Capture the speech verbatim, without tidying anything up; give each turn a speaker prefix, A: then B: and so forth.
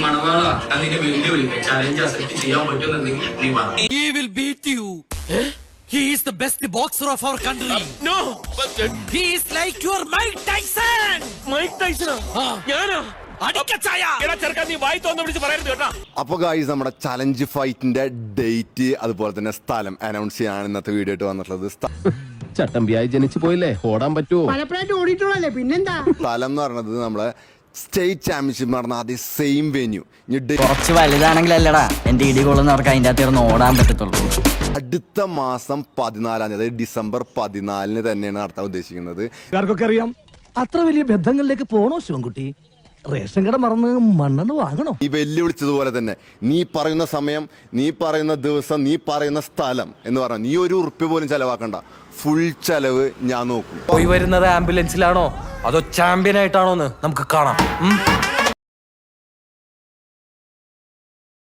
A: മണവാള അതിന്റെ വെല്ലുവിളി challenge accept ചെയ്യാൻ പറ്റുമെന്നുണ്ടെങ്കിൽ നീ പറ.
B: He will beat you. He is the best boxer of our country.
C: No, but
B: He is like your Mike Tyson.
C: Mike Tyson. ഞാനാ
B: അടിക്കച്ചായ.
C: എടാ ചെറുക്കാൻ നീ വായി തോന്നു വിളിച്ച് പറയരുത് കേട്ടോ.
D: അപ്പോൾ ഗായ്സ് നമ്മുടെ ചലഞ്ച് ഫൈറ്റിന്റെ ഡേറ്റ് അതുപോലെ തന്നെ സ്ഥലം അനൗൺസ് ചെയ്യാൻ ഇന്നത്തെ വീഡിയോ ആയിട്ട് വന്നിട്ടുള്ളത്.
E: ചട്ടമ്പിയായി ജനിച്ചു പോയില്ലേ, ഓടാൻ പറ്റുമോ?
F: പലപ്പോഴായിട്ട് ഓടിയിട്ടുള്ളല്ലേ, പിന്നെന്താ?
D: സ്ഥലം എന്ന് പറയുന്നത് നമ്മളെ സ്റ്റേറ്റ് ചാമ്പ്യൻഷിപ്പ് നടന്ന അതേ സെയിം വെന്യൂ.
G: കുറച്ച് വലുതാണെങ്കിലല്ലടാ എന്റെ ഇടി കൊള്ളുന്നവർക്ക് അതിന്റെ അകത്ത് ഓടാൻ പറ്റത്തുള്ളൂ.
D: അടുത്ത മാസം പതിനാലാം തീയതി അതായത് ഡിസംബർ പതിനാലിന് തന്നെയാണ് നടത്താൻ ഉദ്ദേശിക്കുന്നത്.
H: ആർക്കൊക്കെ അറിയാം അത്ര വലിയ ബന്ധങ്ങളിലേക്ക് പോണോ ശിവൻകുട്ടി? റേഷൻ കട മറന്ന് മണ്ണെണ്ണ വാങ്ങണോ?
D: ഈ വെല്ലുവിളിച്ചതുപോലെ തന്നെ നീ പറയുന്ന സമയം, നീ പറയുന്ന ദിവസം, നീ പറയുന്ന സ്ഥലം എന്ന് പറഞ്ഞാൽ നീ ഒരു ഉറുപ്പ്യ പോലും ചെലവാക്കണ്ട, ഫുൾ ചെലവ് ഞാൻ നോക്കും.
I: പോയി വരുന്നത് ആംബുലൻസിലാണോ അതോ ചാമ്പ്യൻ ആയിട്ടാണോന്ന് നമുക്ക് കാണാം.